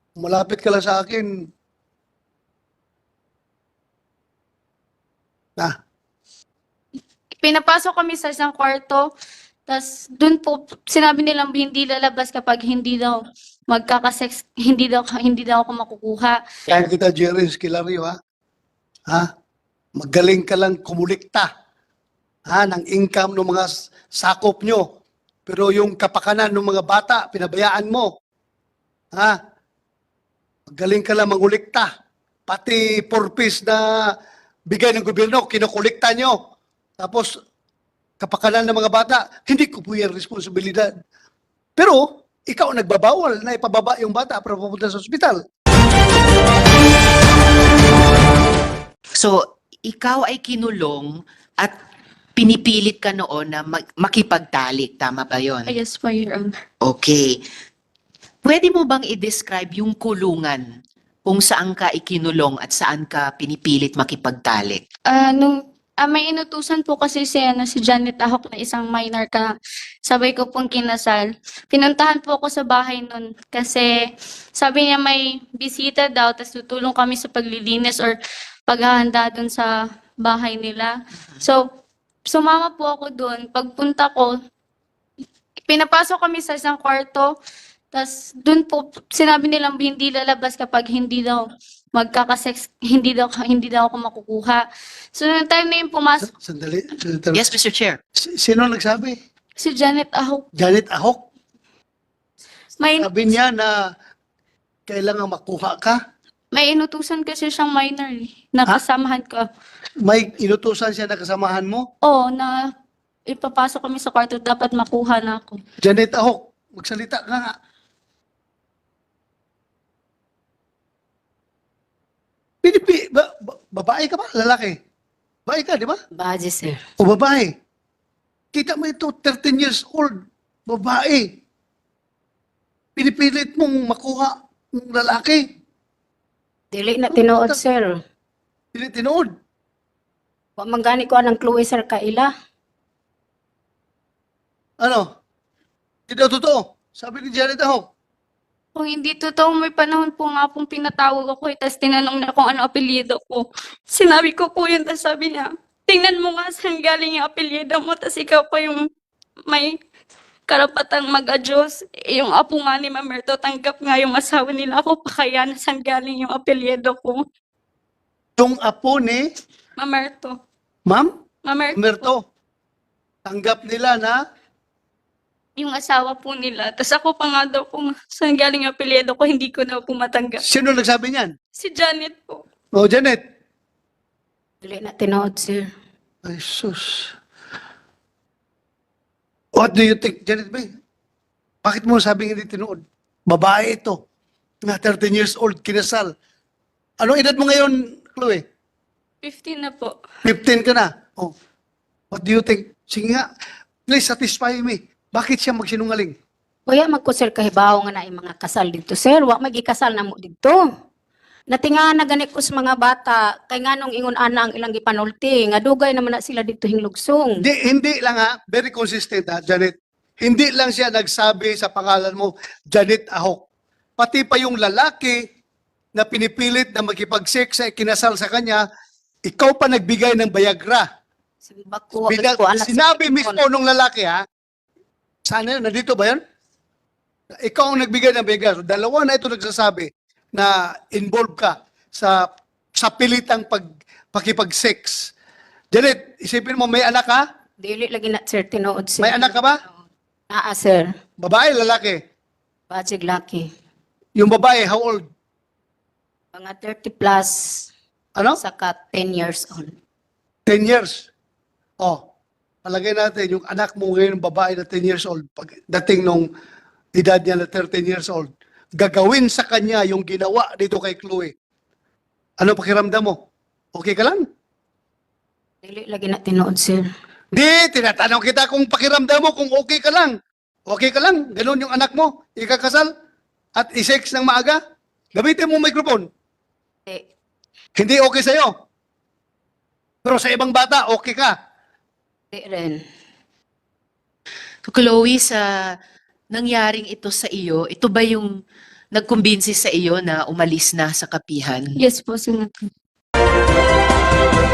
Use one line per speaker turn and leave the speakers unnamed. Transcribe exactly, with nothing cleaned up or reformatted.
Malapit ka lang sa akin. Ah,
Pinapasok kami sa isang kwarto, tas dun po, sinabi nilang hindi lalabas kapag hindi daw magkakasex, hindi daw, hindi daw ako makukuha.
kaya kita, Jerry Esquilario, ha? Ha? Magaling ka lang kumulikta, ha, ng income ng mga s- sakop nyo. Pero yung kapakanan ng mga bata, pinabayaan mo. Ha? Magaling ka lang mangulikta. Pati four-piece na bigay ng gobyerno, kinukulikta nyo. Tapos, kapakanan ng mga bata, hindi ko po yan responsibilidad. Pero, ikaw nagbabawal na ipababa yung bata para pupunta sa ospital.
So, ikaw ay kinulong at pinipilit ka noon na mag- makipagtalik. Tama ba yon?
I guess po, Your Honor.
Okay. Pwede mo bang i-describe yung kulungan kung saan ka ikinulong at saan ka pinipilit makipagtalik?
Ah, nung ah, may inutusan po kasi si, ano, si Janet Ahok na isang minor ka. Sabay ko pong kinasal. Pinuntahan po ako sa bahay nun kasi sabi niya may bisita daw, tapos tutulong kami sa paglilinis or paghahanda dun sa bahay nila. So, sumama po ako dun. Pagpunta ko, pinapasok kami sa isang kwarto, tas dun po, sinabi nilang hindi lalabas kapag hindi daw magkakasex, hindi daw, hindi daw ako makukuha. So, nung time na yung pumasok,
Sandali. Senator.
Yes, Mister Chair.
Si- Sino nagsabi?
si Janet Ahok,
Janet Ahok.
may,
Sabi niya na kailangan makuha ka.
may inutusan kasi siyang minor eh, na
Ha?
kasamahan ko.
May inutusan siya na kasamahan mo.
Oo, na ipapasok kami sa kwarto, dapat makuha na ako.
Janet Ahok, magsalita ka nga. Pinipi, ba, ba, babae ka ba? Lalaki? Babae ka, di ba?
Baje, sir.
O babae? Kita mo ito, thirteen years old, babae. Pinipilit mong makuha ng lalaki.
Dili na tinuod, sir.
Tinitinood.
Wa man gani ko anang clue, sir, kaila.
Ano? Hindi daw totoo. Sabi ni Janet Ahok.
Kung hindi totoo, may panahon po nga pong pinatawag ako, eh, tapos tinanong na kung ano apelyido ko. Sinabi ko po yun, tapos sabi niya, tingnan mo nga saan galing yung apelyido mo, tapos ikaw pa yung may karapatang mag-adjust. Eh, yung apo nga ni Mamerto, tanggap nga yung asawa nila ako, pa kaya na saan galing yung apelyido ko.
Yung apo ni
Mamerto.
Ma'am
Mamerto.
Merto. Tanggap nila na
Yung asawa po nila. Tapos ako pa nga daw kung saan galing yung apelyido ko, hindi ko na po matanggap.
sino nagsabi niyan?
Si Janet po.
O, Janet.
Dili na tinuod, sir.
Ay, sus. What do you think, Janet May? Bakit mo sabing hindi tinuod? Babae ito. Na thirteen years old, kinasal. Anong edad mo ngayon, Chloe?
fifteen na po.
fifteen ka na. Oh. What do you think? Sige nga, please satisfy me. Bakit siya magsinungaling?
Kuya, magko, sir, kahibaw nga na yung mga kasal dito, sir. Wa magikasal na mo dito. Natinga na gani ko sa mga bata, kay nga nung ingon ana ang ilang gipanulti, nga dugay naman na sila dito hinglugsong.
Hindi, hindi lang ha, very consistent ha, Janet. Hindi lang siya nagsabi sa pangalan mo, Janet Ahok. Pati pa yung lalaki na pinipilit na makipag-sex sa kinasal sa kanya, ikaw pa nagbigay ng Viagra.
Bako, wa
Bina-
ko anak sa
sinabi
Pilipinas.
mismo nung lalaki ha, sana yun, nandito ba yan? Ikaw ang nagbigay ng Viagra. So, dalawa na ito nagsasabi na involved ka sa sa pilitang pag, pakipag-sex. Janet, isipin mo, may anak ka?
Dili lagi na, sir, tinuod, sir.
May anak ka ba?
Naa, sir.
Babae, lalaki?
Bajig laki.
Yung babae, how old?
Mga thirty plus,
Ano?
saka ten years old.
ten years. Oh, palagay natin, yung anak mo ngayon, babae na ten years old, pagdating nung edad niya na thirteen years old, gagawin sa kanya yung ginawa dito kay Chloe. Ano pakiramdam mo? Okay ka lang?
Dili lagi na tinuod, sir.
Di, tinatanong kita kung pakiramdam mo, kung okay ka lang. Okay ka lang? Ganun yung anak mo, ikakasal at isex ng maaga? Gamitin mo microphone.
Eh,
Hindi okay sa'yo. Pero sa ibang bata, okay ka.
di rin.
So, Chloe, sa nangyaring ito sa iyo, ito ba yung nagkumbinsi sa iyo na umalis na sa kapihan?
Yes po, Senator.